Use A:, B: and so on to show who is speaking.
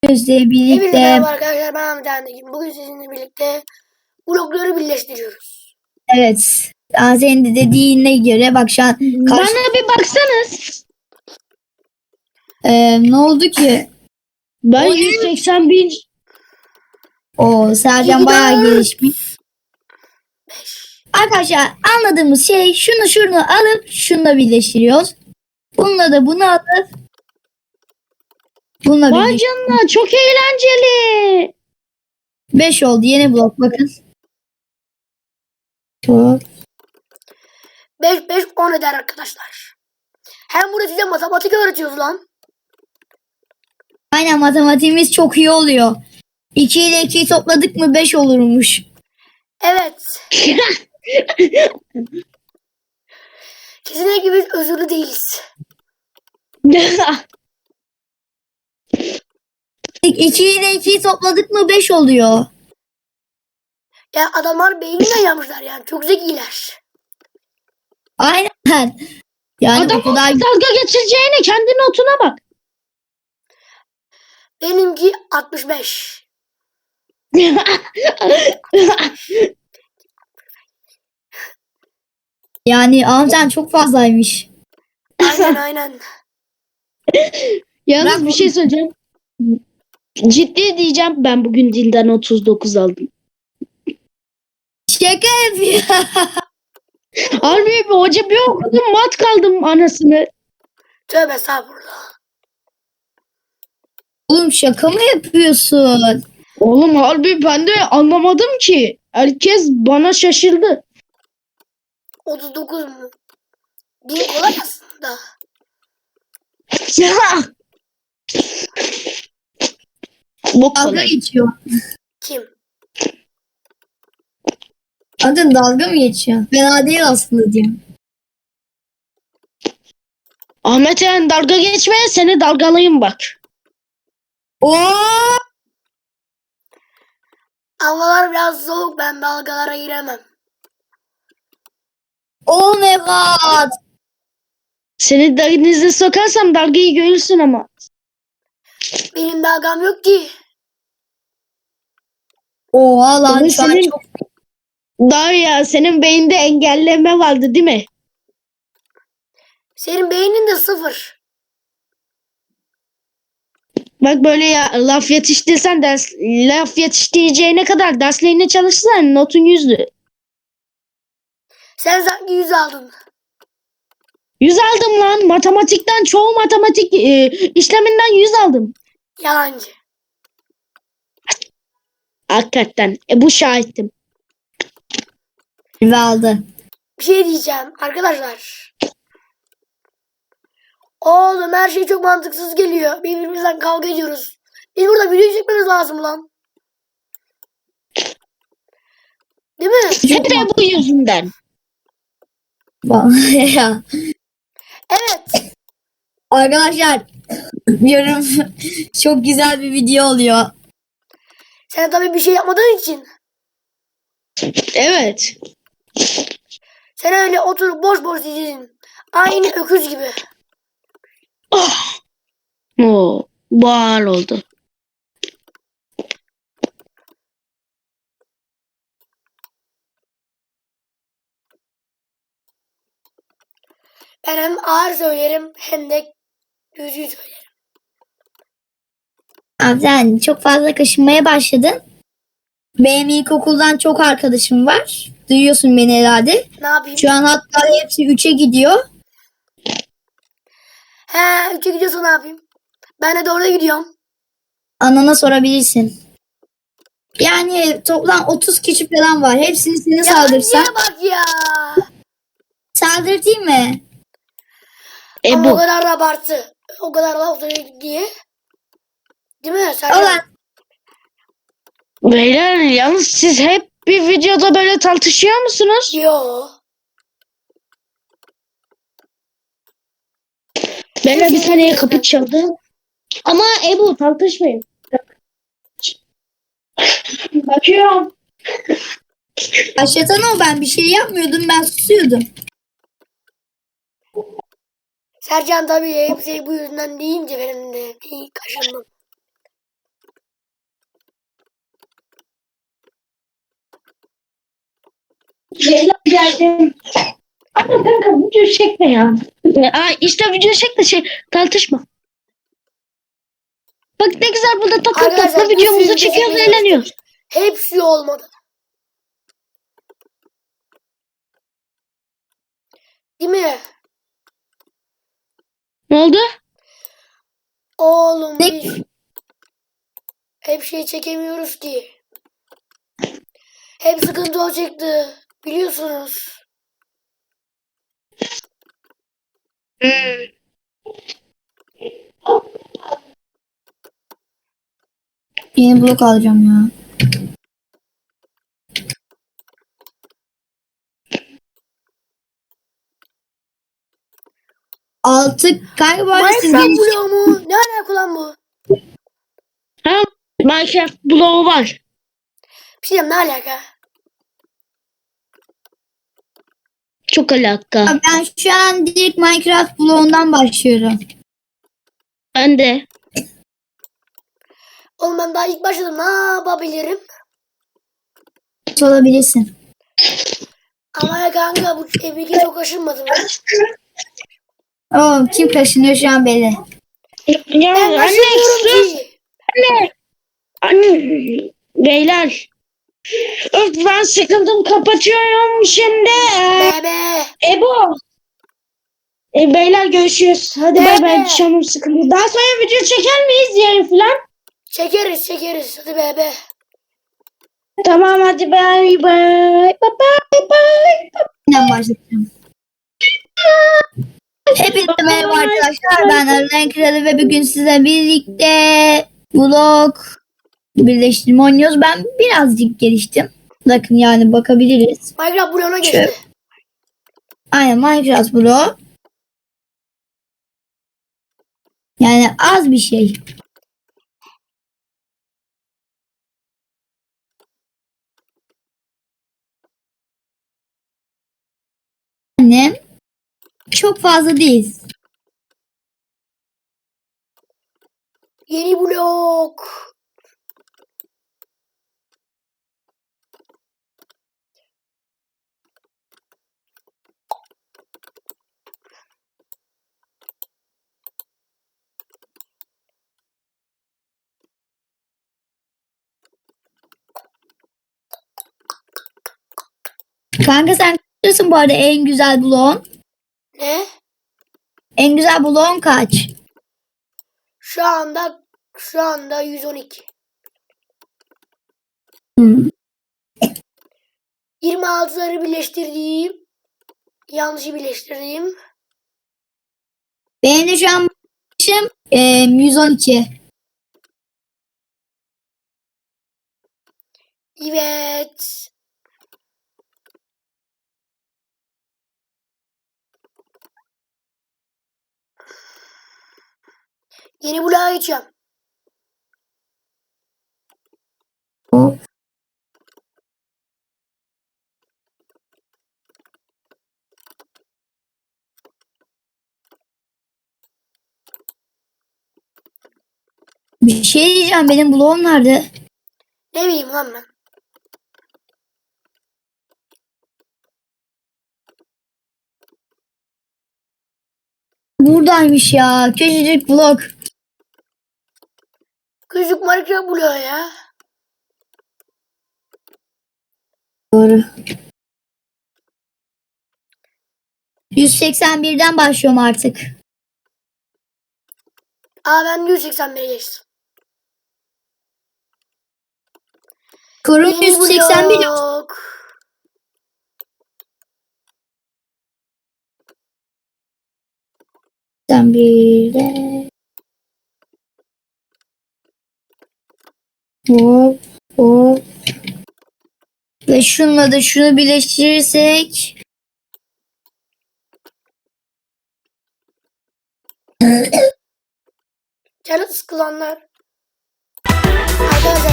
A: Gözle
B: Hepinize
A: birlikte
B: merhaba arkadaşlar, ben Ahmet Antekin. Bugün sizinle birlikte blokları birleştiriyoruz.
A: evet, senin de dediğine göre bak şu an karşı
C: Bana bir baksanız.
A: ne oldu ki?
C: Ben
A: O ne?
C: 181.
A: O Sercan
B: 2,
A: bayağı
B: 4,
A: gelişmiş.
B: 5.
A: Arkadaşlar anladığımız şey şunu alıp şununla birleştiriyoruz. Bununla da bunu alıp bununla
C: Vay
A: birleştiriyoruz.
C: canına, çok eğlenceli.
A: 5 oldu yeni blok bakın. Çok.
B: 5, 5, 10 eder arkadaşlar. Hem burada size matematik öğretiyoruz lan.
A: Aynen matematiğimiz çok iyi oluyor. 2 ile 2'yi topladık mı 5 olurmuş.
B: Evet. Kesinlikle biz özürlü değiliz.
A: 2 ile 2'yi topladık mı 5 oluyor.
B: Ya adamlar beyniyle yapmışlar yani. Çok zekiler.
A: Aynen. Yani
C: Adam
A: o kadar
C: dalga geçireceğine kendi notuna bak.
B: Benimki 65.
A: yani amcan çok fazlaymış.
B: Aynen aynen.
C: Yalnız
A: Bırak
C: bir şey söyleyeceğim. Ciddi diyeceğim, ben bugün dilden 39 aldım.
A: Şaka yapıyor.
C: Harbi bir hoca bir okudum, mat kaldım anasını.
B: Tövbe estağfurullah.
A: Oğlum şaka mı yapıyorsun?
C: Oğlum harbi ben de anlamadım ki. Herkes bana şaşırdı.
B: 39 mu? Değil kolay aslında.
C: Ya. Bu
A: Dalga
C: kolay.
A: geçiyor.
B: Kim?
A: Adın dalga mı geçiyor? Fena değil aslında diyorum.
C: Ahmet yani dalga geçmeye, seni dalgalayayım bak.
A: Oo!
B: Havalar biraz soğuk, ben dalgalara giremem.
A: Oh my god.
C: Seni denize sokarsam dalgayı görürsün ama.
B: Benim dalgam yok ki.
A: Oha lan
C: Ama
A: şu an
C: senin,
A: çok...
C: daha ya senin beyinde engelleme vardı değil mi?
B: Senin beynin de 0.
C: Bak böyle ya, laf yetiştirsen laf yetiştireceğine kadar derslerine çalışsan notun 100'dü.
B: Sen sanki 100 aldın.
C: 100 aldım lan. Matematikten, çoğu matematik işleminden 100 aldım.
B: Yalancı.
C: Hakikaten. Bu şahittim.
A: Ve aldı.
B: Bir şey diyeceğim arkadaşlar. Oğlum her şey çok mantıksız geliyor. Birbirimizden kavga ediyoruz. Biz burada video çekmemiz lazım lan. Değil mi?
C: Hep de bu yüzünden.
A: Ya.
B: Evet.
A: Arkadaşlar diyorum çok güzel bir video oluyor.
B: Sen tabii bir şey yapmadığın için.
C: Evet.
B: Sen öyle oturup boş boş diyeceksin. Aynı öküz gibi.
C: Oh. Oo, bu ağır oldu.
B: Ben hem ağır söylerim hem de düzgün söylerim.
A: Abi sen çok fazla kaşınmaya başladın. Benim ilkokuldan çok arkadaşım var. Duyuyorsun beni herhalde.
B: Ne yapayım?
A: Şu an hatta hepsi 3'e gidiyor.
B: He 3'e gidiyorsa ne yapayım? Ben de doğru gidiyorum.
A: Anana sorabilirsin. Yani toplam 30 kişi falan var. Hepsini sana saldırsam.
B: Yalancıya bak ya.
A: Saldırtayım mı?
B: Ama o
C: Bu.
B: kadar da abartı. O kadar laf söyledi diye. Değil mi? Sen
A: Ulan
C: Beyler yalnız siz hep bir videoda böyle tartışıyor musunuz?
B: Yo.
C: Beyler bir saniye, kapı çaldı. Ama Ebu tartışmayın. Bakıyorum.
A: başlatan o, ben bir şey yapmıyordum, ben susuyordum.
B: Sercan tabii hepsi bu yüzden deyince benim de bir kaşındım.
C: Leyla geldim. Ama kanka video çekme ya. Ay işte video çek de tartışma. Bak ne güzel burada takla
B: Arkadaşlar
C: videomuzu
B: bir sürü
C: çekiyoruz,
B: çekmeye
C: eğleniyoruz.
B: çalıştık. Hepsi olmadı. Değil mi?
C: Ne oldu?
B: Oğlum
A: Ne?
B: biz hep şey çekemiyoruz ki. Hep sıkıntı o çıktı. Biliyorsunuz.
A: Yeni blok alacağım ya. Altı kanka bu arada siz
B: Minecraft bloğu mu? Ne alaka lan bu?
C: Ha, Minecraft bloğu var.
B: Bir şey diyeyim, ne alaka?
C: Çok alaka.
A: Ben şu an direkt Minecraft bloğundan başlıyorum.
C: Ben de.
B: Oğlum ben daha ilk başladım. Ne yapabilirim?
A: Olabilirsin.
B: Ama ya kanka bu bilgi çok aşınmadı mı?
A: Oğlum kim kaşınıyor şu an belli.
C: Ya
B: Ben
C: anne
B: aşınmıyorum
C: sus.
B: ki.
C: Anne. Beyler. Öf ben sıkıldım, kapatıyorum şimdi.
B: Bebe.
C: Ebo. Beyler görüşürüz. Hadi bay bay,
B: Bebe.
C: canım sıkıldı. Daha sonra video çeker miyiz yarın falan?
B: Çekeriz. Hadi bebe.
C: Tamam hadi bay bay. Bye bye bye.
A: Yeniden başlayacağım. Hepinize merhaba arkadaşlar. Ben Arıların Kralı ve bugün size birlikte blok birleştirme oynuyoruz. Ben birazcık geliştim. Bakın yani bakabiliriz.
B: Minecraft bloğuna geçti.
A: Aynen Minecraft bloğu. Yani az bir şey. Annem çok fazla değil.
B: Yeni blok.
A: Kanka sen kaçırsın bu arada en güzel bloğun?
B: Ne?
A: En güzel bloğun kaç?
B: Şu anda 112.
A: Hmm.
B: 26'ları birleştirdiğim. Yanlışı birleştirdiğim.
A: Benim de şu an başım 112.
B: Evet. Yeni bloğa geçeceğim.
A: Hop. Bir şey diyeceğim, benim bloğum nerede?
B: Ne bileyim lan ben.
A: Buradaymış ya. Küçücük blok.
B: Küçük Minecraft bloğu ya.
A: Doğru. 181'den başlıyorum artık.
B: Ben 181'e geçtim.
A: Kurum
B: Yeni
A: 181.
B: blok.
A: Bir de. Hop hop. Ve şununla da şunu birleştirirsek.
B: Canı sıkılanlar. Arkadaşlar